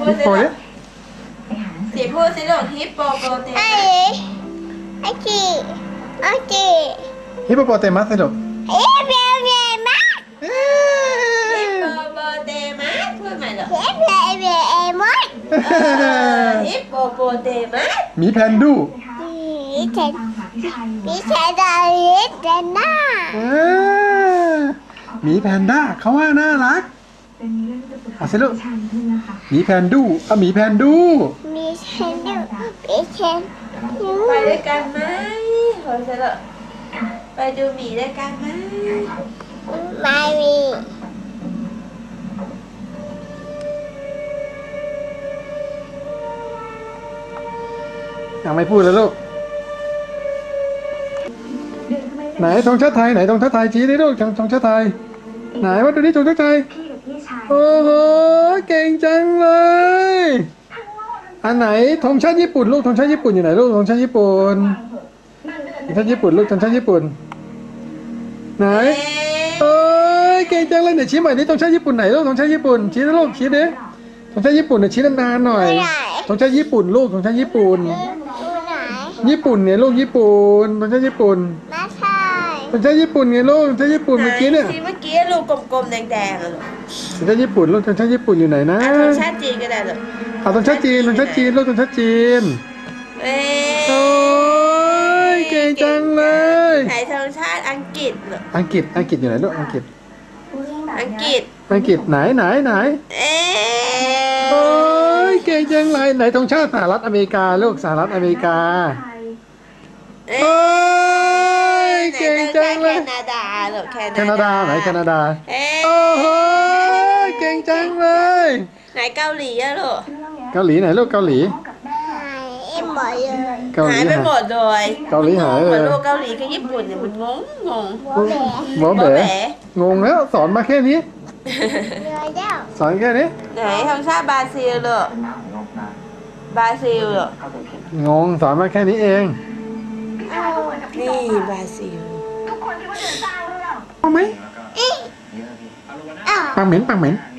พูดสิลูกสีพูดสิลูกฮิปโปโปเตมัสไอ้จีไอ้จีฮิปโปโปเตมัสสิลูกเอ๊ะเบี้ยเบี้ยมาฮิปโปโปเตมัสพูดใหม่เหรอเอ๊ะเบี้ยเบี้ยเอ็มดฮิปโปโปเตมัสหมีแพนดูพี่เชนพี่เชนดาริสเดน่าหมีแพนด้าเขาว่าน่ารักเอาสิลูกหมีแพนดูเอาหมีแพนดูมีเชนดูพี่เชนไปด้วยกันไหมโหเสร็จแล้วไปดูหมีด้วยกันไหมไม่มียังไม่พูดเลยลูกไหนธงชาติไทยไหนธงชาติไทยชี้ดิลูกธงชาติไทยไหนว่าดูนี่ธงชาติไทยโอ้โหเก่งจังเลยอันไหนธงชาติญี่ปุ่นลูกธงชาติญี่ปุ่นอยู่ไหนลูกธงชาติญี่ปุ่นธงชาติญี่ปุ่นลูกธงชาติญี่ปุ่นไหนโอ้ยเก่งจังเลยเนี่ยชี้ใหม่นี่ธงชาติญี่ปุ่นไหนลูกธงชาติญี่ปุ่นชี้ดิลูกชี้ดิธงชาติญี่ปุ่นเนี่ยชี้นานๆหน่อยธงชาติญี่ปุ่นลูกธงชาติญี่ปุ่นดูไหนญี่ปุ่นเนี่ยลูกญี่ปุ่นธงชาติญี่ปุ่นไม่ใช่ธงชาติญี่ปุ่นไงลูกธงชาติญี่ปุ่นเมื่อกี้เนี่ยที่เมื่อกี้ลูกกลมๆแดงๆอะลูกธงชาติญี่ปุ่นลูกธงชาติญี่ปุ่นอยู่ไหนนะธงชาติจีนก็ได้ลูกเอาธงชาติจีนธงชาติจีนลูกธงชาติจีนเอ้โอ้ยเก่งจังเลยไหนธงชาติอังกฤษลูกอังกฤษอยู่ไหนลูกอังกฤษอังกฤษไหนเอ๊โอ้ยเก่งจังเลยไหนธงชาติสหรัฐอเมริกาลูกสหรัฐอเมริกาโอ้ยเก่งจังเลยแคนาดาลูกแคนาดาไหนแคนาดาเอ๊โอ้โหเก่งจังเลยไหนเกาหลีอะลูกเกาหลีไหนลูกเกาหลีหายเอ็มหมดเลยเกาหลีหายไปหมดเลยเกาหลีหายเหเลมือนยลูกเกาหลีกับญี่ปุ่นเนี่ยมันงงโมเบะหมอโบเบ๋แบ๋งงแล้วสอนมาแค่นี้เรือเจ้าสอนแค่นี้ไหนธงชาติบราซิลลูกบราซิลลูกงงสอนมาแค่นี้เองนี่บราซิลเอาไหมอ้าวปังเหม็น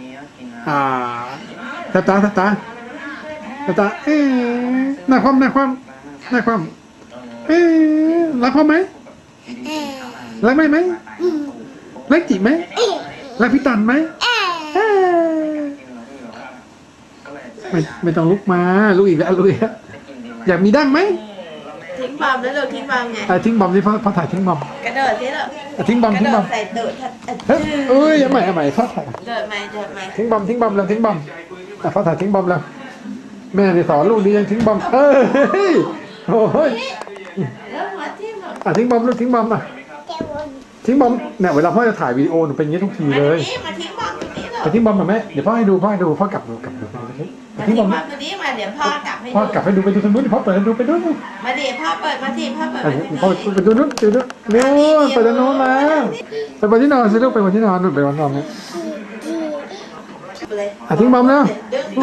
ตาตาเอ๊ะหน้าคว่ำเอ๊ะรักพ่อไหมเอ๊ะรักแม่ไหมรักจิไหมรักพี่ตันไหมเอ๊ะเอ๊ะไม่ต้องลุกมาลุกอีกแล้วอยากมีดั้งไหมทิ้งบอมแล้วลูกทิ้งบอมไงทิ้งบอมที่พ่อถ่ายทิ้งบอมกระโดดสิลูกทิ้งบอมกระทิ้งโดบอดมใส่ตูดเฮ้ยเอ้ยใหม่พ่อถ่ายเดินไหมทิ้งบอมแล้วทิ้งบอมพ่อถ่ายทิ้งบอมแล้วแม่นี่สอนลูกดียังทิ้งบอมโอ้ยแล้วหัวทิ่มหรอทิ้งบอมลูกทิ้งบอมอ่ะเจ้าบนทิ้งบอมเนี่ยเวลาพ่อจะถ่ายวิดีโอหนูเป็นอย่างนี้ทุกทีเลยมาทิ้งบอมตรงนี้ลูกไปทิ้งบอมหน่อยแม่เดี๋ยวพ่อให้ดูพ่อกลับดูไปทิ้งบอมตรงนี้มาเดี๋ยวพ่อกลับให้พ่อกลับให้ดูไปดูตรงนู้นพ่อเปิดให้ดูไปดูนู่นมาเดี๋ยวพ่อเปิดมาทีพ่อเปิดพ่อไปดูนู้นเร็วไปดูนู้นมาไปบนที่นอนสิลูกไปบนที่นอนนู่นไปบนที่นอนเนี่ยทิ้งบอมแล้วดึง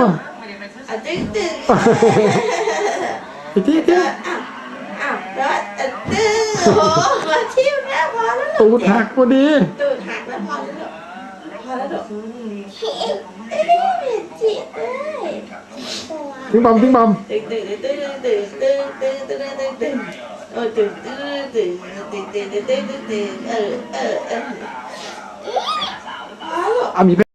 อีกทีอ้าวแล้วดึงโอ้มาทิ่มแล้วพอแล้วตูดหักพอดีตูดหักแล้วพอแล้วลูกเอ๊ะจิตเอ้ยทิ้งบอมตึงโอ้ตึงเออมี